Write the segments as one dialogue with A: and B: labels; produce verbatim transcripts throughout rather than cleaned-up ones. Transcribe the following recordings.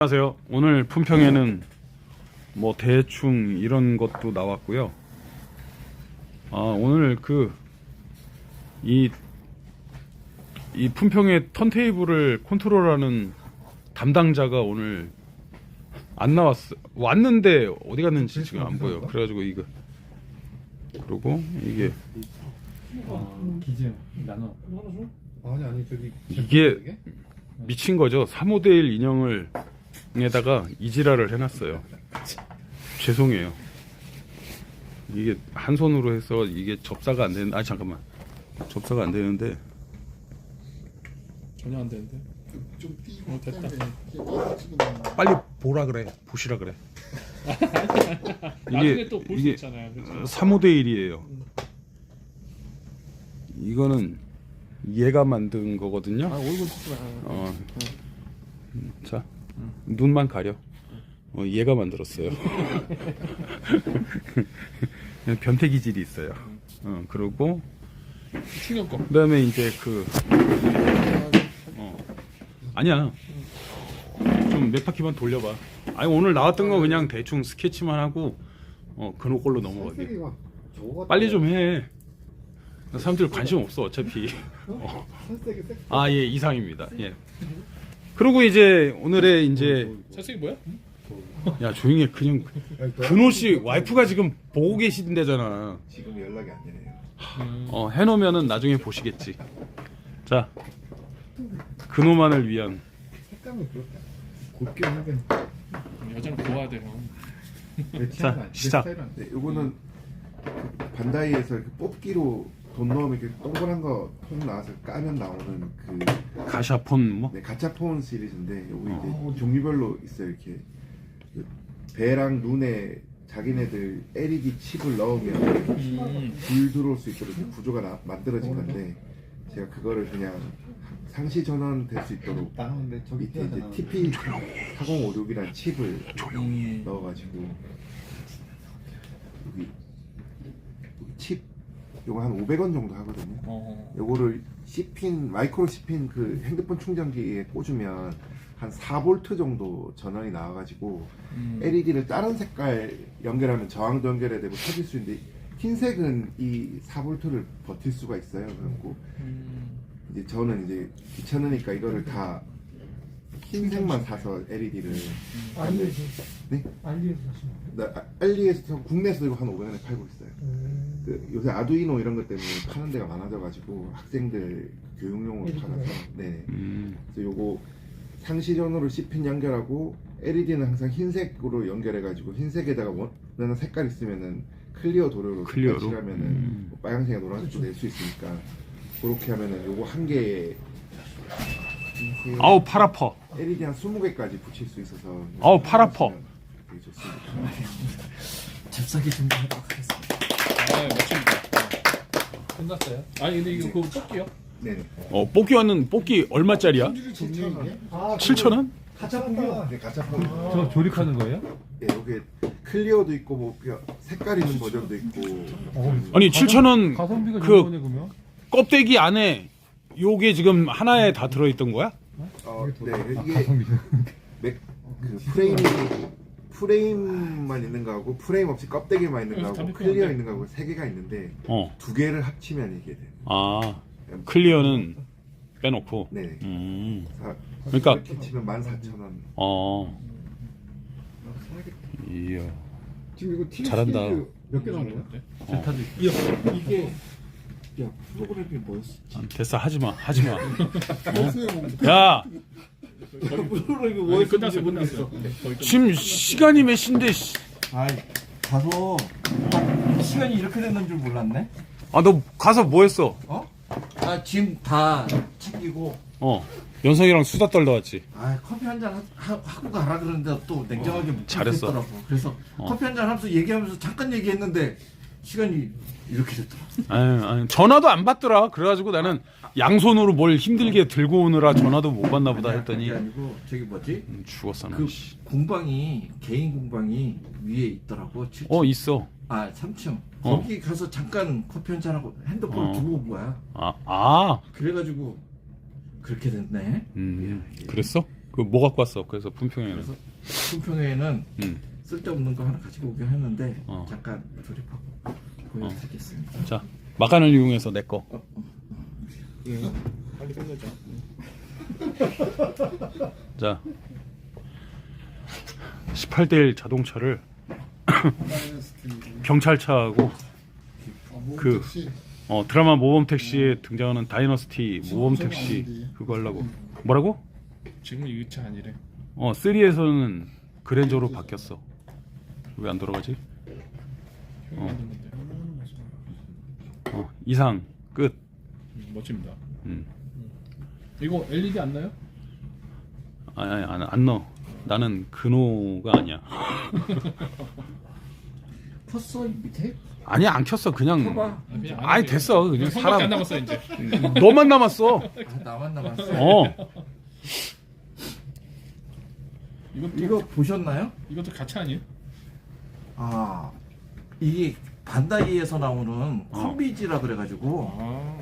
A: 안녕하세요. 오늘 품평에는 뭐 대충 이런 것도 나왔고요. 아, 오늘 그 이 이 품평의 턴테이블을 컨트롤하는 담당자가 오늘 안 나왔어. 왔는데 어디 갔는지 지금 안 보여. 그래가지고 이거 그리고 이게
B: 기증 나눠.
C: 아니 아니 저기
A: 이게 미친 거죠. 삼 대 일 인형을 에다가 이지랄을 해놨어요. 죄송해요. 이게 한 손으로 해서 이게 접사가 안 되는. 아 잠깐만, 접사가 안 되는데.
B: 전혀 안 되는데.
C: 좀 띄고
B: 어, 됐다.
A: 빨리 보라 그래. 보시라 그래.
B: 나중에 또 볼 수
A: 이게
B: 있잖아요. 그렇죠?
A: 삼 대 일이에요. 이거는 얘가 만든 거거든요.
B: 아 얼굴 찍지 마.
A: 어. 자, 눈만 가려. 어, 얘가 만들었어요. 변태 기질이 있어요. 어, 그리고
B: 충격 거.
A: 그다음에 이제 그 어. 아니야. 좀 몇 바퀴만 돌려봐. 아니 오늘 나왔던 거 그냥 대충 스케치만 하고 어 그노 걸로 넘어가게. 빨리 좀 해. 사람들 관심 없어 어차피. 어. 아 예, 이상입니다. 예. 그리고 이제 오늘의 이제
B: 살색이 뭐야?
A: 야 조용히 해. 그냥 근호 씨 와이프가 지금 보고 계신데잖아.
C: 지금 연락이 안 되네요.
A: 어 해놓으면은 나중에 보시겠지. 자, 근호만을 위한.
C: 색감이 그렇게 곱게 하긴.
B: 여자는 보아야 돼요.
A: 자, 시작.
C: 네, 이거는 반다이에서 이렇게 뽑기로 돈 넣으면 이렇게 동그란 거 통 나와서 까면 나오는 그
A: 가샤폰 뭐?
C: 네, 가차폰 시리즈인데 여기 이제 종류별로 있어요. 이렇게 그 배랑 눈에 자기네들 엘이디 칩을 넣으면
B: 음.
C: 불 들어올 수 있도록 이렇게 구조가 나, 만들어진 건데 제가 그거를 그냥 상시 전원 될 수 있도록 밑에 이제 티피 사공오육이라는 칩을
B: 음.
C: 넣어가지고 여기, 여기 칩 요거 한 오백 원 정도 하거든요.
B: 어.
C: 요거를 C핀 마이크로 C핀 그 핸드폰 충전기에 꽂으면 한 사 볼트 정도 전원이 나와가지고
B: 음.
C: 엘이디를 다른 색깔 연결하면 저항도 연결해야 되고 켜질 수 있는데 흰색은 이 사 볼트를 버틸 수가 있어요. 그래갖고
B: 음.
C: 이제 저는 이제 귀찮으니까 이거를 다 흰색만 사서 엘이디를
D: 알리에서
C: 네?
D: 알리에서 사시는 거예요?
C: 나 알리에서 국내에서 이거 한 오백 원에 팔고 있어요.
D: 음.
C: 그 요새 아두이노 이런 것 때문에 파는 데가 많아져가지고 학생들 교육용으로 팔아서 네.
A: 음.
C: 그래서 요거 상시전으로 C핀 연결하고 엘이디는 항상 흰색으로 연결해가지고 흰색에다가 원하는 색깔 있으면은 클리어 도료로
A: 클리어로?
C: 색깔 칠하면은
A: 음.
C: 뭐 빨간색에 노란색도 낼 수 있으니까 그렇게 하면은 요거 한 개에
A: 아우 팔 아파.
C: 엘이디 한 스무 개까지 붙일 수 있어서
A: 아우, 팔 아파.
C: 되게 좋습니다.
D: 잽싸게 준비하도록 하겠습니다.
B: 아 멋집니다. 끝났어요? 아니 근데 이거 그거 뽑기요?
C: 네네.
A: 어 뽑기 왔는 뽑기 얼마짜리야?
D: 아,
A: 칠천 원?
D: 가짜 풍요.
C: 네, 가짜폰.
B: 저 조립하는 거예요?
C: 네, 여기 클리어도 있고 뭐 그냥 색깔 있는 버전도 있고.
A: 아니 칠천 원
B: 가성비가
A: 그
B: 좋은 거네 그러면?
A: 껍데기 안에 요게 지금 하나에 다 들어있던 거야?
C: 어, 네, 이게 맥, 그 프레임이 프레임만 있는 거하고 프레임 없이 껍데기만 있는 거하고
B: 담배
C: 클리어
B: 피우는데?
C: 있는 거하고 세 개가 있는데
A: 어.
C: 두 개를 합치면 이게 돼요.
A: 아 클리어는 빼놓고.
C: 네.
A: 음.
C: 사-
A: 그러니까-
C: 이렇게 치면 만 사천 원.
A: 어. 이야.
C: 지금 이거 티
A: 잘한다.
C: 몇 개 나온 거야?
B: 델타도 있고.
C: 이게 야 프로그램이 뭐였어?
A: 아, 됐어 하지마 하지마. 어? 야
C: 프로그램이
B: 아니, 끝났어 끝났어. 거의 끝났어.
A: 지금 시간이 몇 시인데. 씨.
D: 아이, 가서 시간이 이렇게 됐는 줄 몰랐네.
A: 아 너 가서 뭐 했어?
D: 어? 아, 지금 다 챙기고,
A: 어. 연성이랑 수다 떨다 왔지.
D: 아, 커피 한 잔 하고 가라 그러는데 또 냉정하게 못
A: 잘했어.
D: 하겠더라고. 그래서
A: 어.
D: 커피 한 잔 하면서 얘기하면서 잠깐 얘기했는데 시간이 이렇게 됐더라.
A: 아유, 아유, 전화도 안 받더라. 그래가지고 나는 양손으로 뭘 힘들게 들고 오느라 전화도 못 받나 보다 했더니
D: 그게 아니고 저기 뭐지?
A: 음, 죽었어 나.
D: 그
A: 씨.
D: 공방이 개인 공방이 위에 있더라고. 칠 층.
A: 어 있어.
D: 아, 삼 층.
A: 어.
D: 거기 가서 잠깐 커피 한 잔 하고 핸드폰을
A: 어.
D: 두고 온 거야.
A: 아, 아,
D: 그래가지고 그렇게 됐네.
A: 음, 그랬어? 그 뭐 갖고 왔어? 그래서 품평회는.
D: 그래서 품평회에는
A: 음.
D: 쓸데없는 거 하나 가지고 오긴 했는데
A: 어.
D: 잠깐 조립하고 보여드리겠습니다.
A: 자, 막간을 이용해서 내 거.
B: 빨리 끝내자.
A: 자, 십팔 대 일 자동차를 경찰차하고 그 어, 드라마 모범 택시에 등장하는 다이너스티 모범 택시 그거 하려고. 뭐라고?
B: 지금 이 차 아니래.
A: 어, 삼에서는 그랜저로 바뀌었어. 왜 안 돌아가지?
B: 형이 만든 건데.
A: 어, 이상 끝.
B: 음, 멋집니다.
A: 음.
B: 이거 엘이디 안 나요?
A: 아니, 아니, 안, 안 넣어. 나는 근호가 아니야.
D: 컸어 밑에?
A: 아니, 안 켰어. 그냥.
D: 켜봐.
B: 그냥 안
A: 아니,
B: 하세요.
A: 됐어. 그냥
B: 형밖에 안
A: 사람.
B: 남았어 이제.
A: 너만 남았어.
D: 아, 나만 남았어.
A: 어.
B: 이것도
D: 이거 보셨나요?
B: 이것도 가차 아니에요?
D: 아 이게 반다이에서 나오는 컴비지라 그래가지고
B: 아.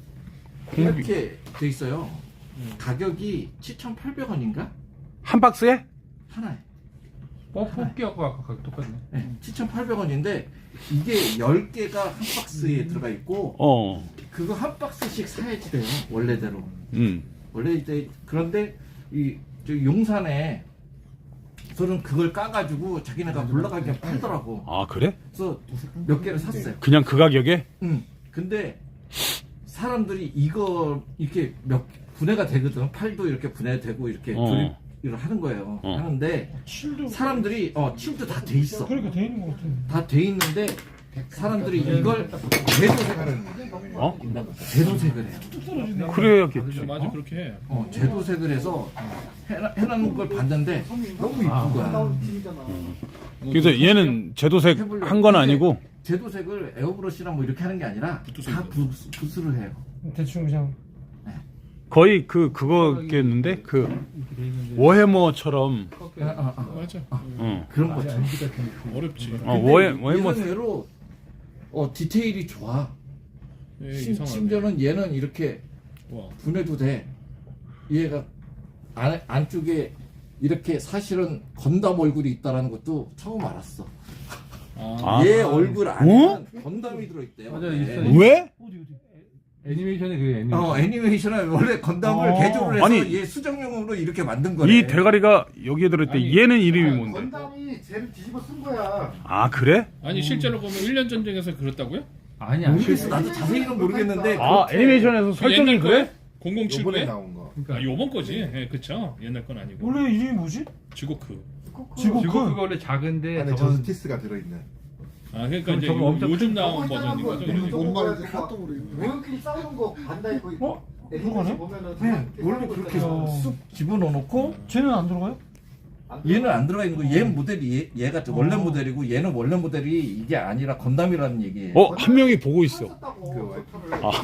D: 이렇게 돼 있어요. 가격이 칠천팔백 원인가?
A: 한 박스에?
D: 하나에.
B: 어, 뽑기하고 아까 가격 똑같네.
D: 네, 칠천팔백 원인데 이게 열 개가 한 박스에 들어가 있고
A: 어.
D: 그거 한 박스씩 사야지 돼요. 원래대로.
A: 음.
D: 원래 이제 그런데 이 저 용산에 저는 그걸 까가지고 자기네가 올라가게 팔더라고.
A: 아, 그래?
D: 그래서 몇 개를 샀어요.
A: 그냥 그 가격에?
D: 응. 근데 사람들이 이거 이렇게 몇 분해가 되거든. 팔도 이렇게 분해되고 이렇게
A: 어.
D: 조립을 하는 거예요.
A: 어.
D: 하는데 사람들이 어 칠도 다 돼 있어.
E: 그러니까 돼 있는 것 같아.
D: 다 돼 있는데 사람들이 이걸 제도색을
A: 어?
D: 제도색을 해요.
A: 그래야겠지.
B: 맞아 그렇게 해.
D: 어 제도색을 해서 해놔, 해놓은 걸 봤는데 너무 이쁜 거야.
A: 그래서 얘는 제도색 한 건 아니고
D: 제도색을 에어브러시랑 뭐 이렇게 하는 게 아니라 다 부, 붓으로 해요.
E: 대충 그냥
A: 거의 그 그거겠는데 그 워해머처럼
D: 아, 아, 아.
B: 맞아.
A: 어.
D: 그런 거죠.
B: 어렵지.
A: 어, 워해 워해머
D: 예상외로 어 디테일이 좋아.
B: 예,
D: 심,
B: 이상하네.
D: 심지어는 얘는 이렇게
B: 와.
D: 분해도 돼. 얘가 안, 안쪽에 이렇게 사실은 건담 얼굴이 있다라는 것도 처음 알았어.
B: 아.
A: 아.
D: 얘 얼굴 안에는 건담이 들어있대요.
B: 맞아,
D: 네.
B: 있어요.
A: 왜?
E: 어디 어디.
B: 애니메이션에 그 애니메이션.
D: 어 애니메이션에 원래 건담을
E: 어.
D: 개조를 해서
A: 아니,
D: 얘 수정용으로 이렇게 만든 거래.
A: 이 대가리가 여기에 들어있대.
B: 아니,
A: 얘는 이름이 뭔데?
C: 건담이 쟤를 뒤집어 쓴 거야.
A: 아, 그래?
B: 아니 실제로 보면 일 년 전쟁에서 그랬다고요?
E: 아니야.
D: 모르겠어. 나도 자세히는 모르겠는데.
A: 아,
D: 그렇게
A: 애니메이션에서 설정이
B: 옛날
A: 그래?
B: 거에? 공공칠구에?
C: 요번에 나온 거.
B: 아, 요번 거지. 예, 그쵸. 옛날 건 아니고.
E: 원래 이름이 뭐지?
B: 지고크.
E: 지고크.
F: 지고크가 원래 작은데
C: 안에
F: 저건
C: 저스티스가 들어있는.
B: 아, 그러니까
F: 그럼
B: 이제
F: 저거
B: 요,
F: 엄청
B: 요즘 나온 버전인 거죠.
C: 음,
B: 이거.
C: 뭔
G: 이제 카톡으로 있네. 외국끼리 싸우는 거 반다이 거의
E: 어?
G: 애니메이션
E: 그러네?
G: 보면은
D: 응, 원래 그렇게
E: 어.
D: 쑥 집어넣어놓고
E: 쟤는 안 들어가요?
D: 얘는 안 들어가 있는 거. 얘 모델이 얘, 얘가 원래 모델이고 얘는 원래 모델이 이게 아니라 건담이라는 얘기예요.
A: 어, 한 명이 보고 있어.
G: 썼다고
C: 그 와이프.
G: 소설을.
A: 아.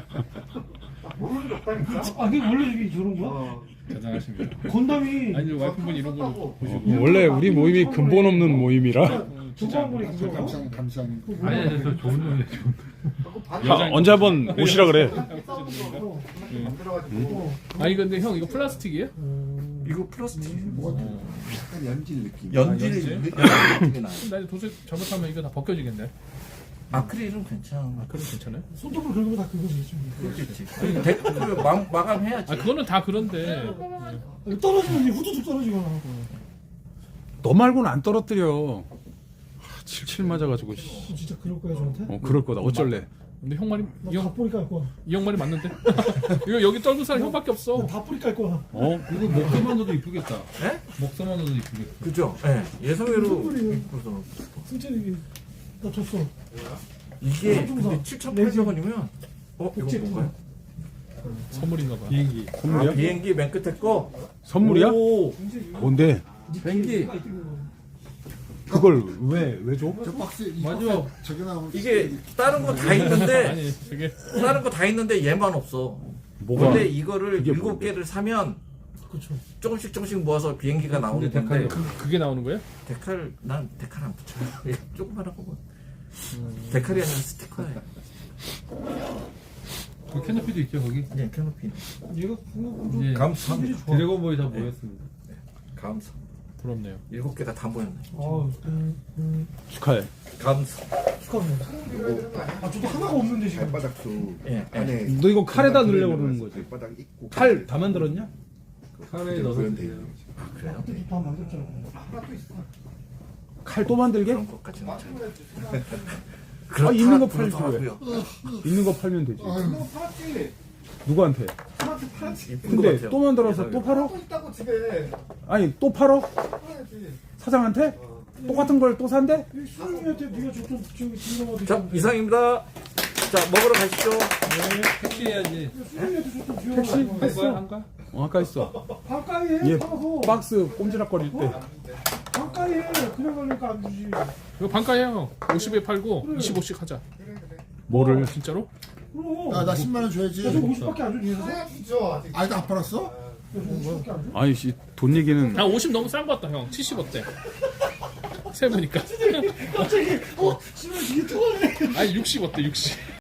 G: 모르는 게 없다니까.
E: 아 그게 원래 이게 저런 거야?
G: 어.
B: 대단하십니다.
E: 건담이
B: 아니 와이프분이 이런 거 보시고.
A: 원래 우리 모임이 근본 없는 모임이라.
E: 두번보니 그거.
G: 감상 감상.
F: 아니 아니 저 좋은 놈이야 좋은
G: 자꾸
A: 아,
G: 반다이
A: 언제 한번 오시라 그래.
G: 싸우는 거 만들어가지고.
B: 아니 근데 형 이거 플라스틱이에요?
D: 이거 플라스틱
C: 약간 연질 느낌.
D: 연질
B: 연질?
D: 연질이 나요.
B: 그럼 나 이제 도색 잘못하면 이거 다 벗겨지겠네.
D: 아크릴은 괜찮아.
B: 아, 그럼 괜찮아요?
E: 손톱을 긁으면 다 그거지 지금.
D: 그렇겠지. 아니, 대, 그 마, 마감해야지.
B: 아, 그거는 다 그런데.
E: 아니, 떨어지면 이제 후두둑 떨어지거나.
A: 너 말고는 안 떨어뜨려. 하, 칠칠 맞아가지고. 씨.
E: 진짜 그럴 거야 저한테?
A: 어, 그럴 거다. 어쩔래?
B: 근데 형 말이
E: 나
B: 이 형,
E: 다 뿌리 깔 거야.
B: 이 형 말이 맞는데? 이거 여기 떨군 사람 형밖에 없어.
E: 나 다 뿌리 깔 거야.
A: 어?
F: 이거 목서만 넣어도 이쁘겠다.
D: 네?
F: 목서만 넣어도 이쁘겠다.
D: 그죠? 예. 예상외로
E: 뿌리.
D: 그래서
E: 승철이 나 줬어.
D: 이게
E: 삼중사.
D: 근데 칠천팔백 원이면 어 이거
E: 옥지
D: 뭔가요?
B: 선물인가 봐.
F: 비행기.
D: 아,
A: 선물이야?
D: 비행기 맨 끝에 거.
A: 선물이야?
D: 오,
A: 뭔데?
D: 비행기.
A: 그걸 왜, 왜 줘?
G: 저 박스 이
F: 맞아.
G: 박스에 저게 나오면
D: 이게 다른 거 다 있는데
B: 아니, 되게.
D: 다른 거 다 있는데 얘만 없어.
A: 뭐가?
D: 원래 이거를
A: 이게
D: 일곱
A: 뭔데?
D: 개를 사면
E: 그렇죠.
D: 조금씩 조금씩 모아서 비행기가 나오는
F: 근데
D: 건데
F: 데칼이
B: 그게 나오는 거예요?
D: 데칼 난 데칼 안 붙여요. 조그만한 거고. 데칼이 아니라 스티커예요.
F: 그 캐노피도 있죠 거기.
D: 네, 캐노피.
E: 얘가 그거
F: 이제
D: 감사.
F: 드래곤볼이 다 모였습니다.
D: 감사.
B: 부럽네요.
D: 일곱 개가 다 모였네.
E: 아, 음,
A: 축하해.
D: 감사.
E: 축하합니다. 아, 저도 하나가 없는데 지금.
C: 발바닥도
D: 예,
C: 안에
A: 너 이거 칼에다
C: 공간
A: 넣으려고
C: 들어있는
A: 그러는 거지?
C: 발바닥 있고
A: 칼 다 만들었냐?
F: 칼에 넣어서
C: 구현돼
F: 드세요.
C: 있는 거지.
D: 아, 그래요?
E: 다 만들었잖아.
A: 칼 또 만들게?
D: 그런 것까지는 잘.
A: 아, 있는 거
D: 그렇다-
A: 팔지 왜?
D: 그렇더라고요.
A: 있는 거 팔면 되지.
G: 너 팔았지?
A: 누구한테?
G: 팔았지 팔았지.
D: 이쁜 것
A: 근데
D: 같아요.
A: 또 만들어서 또 팔어?
G: 또 있다고 집에.
A: 아니 또 팔어?
G: 팔아야지.
A: 사장한테? 똑같은 걸 또 산대?
E: 수영이한테 네가 줬던 저기 진정하듯이.
D: 자, 이상입니다. 자, 먹으러 가시죠.
F: 택시 해야지.
E: 수영이한테 줬던 비용.
A: 택시
F: 한 거야
A: 했어.
F: 한가?
A: 어, 아까 했어.
E: 가까이 해.
A: 얘
E: 사서.
A: 박스 꼼지락거릴 때.
E: 가까이 해. 그냥 가니까 안 주지.
B: 이거 반가해요. 오십에 팔고 이십오씩 하자.
A: 뭐를?
B: 진짜로?
E: 그럼.
G: 야, 나 십만 원 줘야지.
E: 야, 저 오십밖에 안 줘. 뒤에서. 야,
G: 줘야죠 아직. 아직 안 팔았어?
E: 저 오십밖에 안 줘.
A: 아니 씨, 돈 얘기는
B: 야 오십 너무 싼 것 같다 형. 칠십 어때? 세보니까.
E: 갑자기 어, 씨발 이게 통하네.
B: 아니 육십 어때 육십?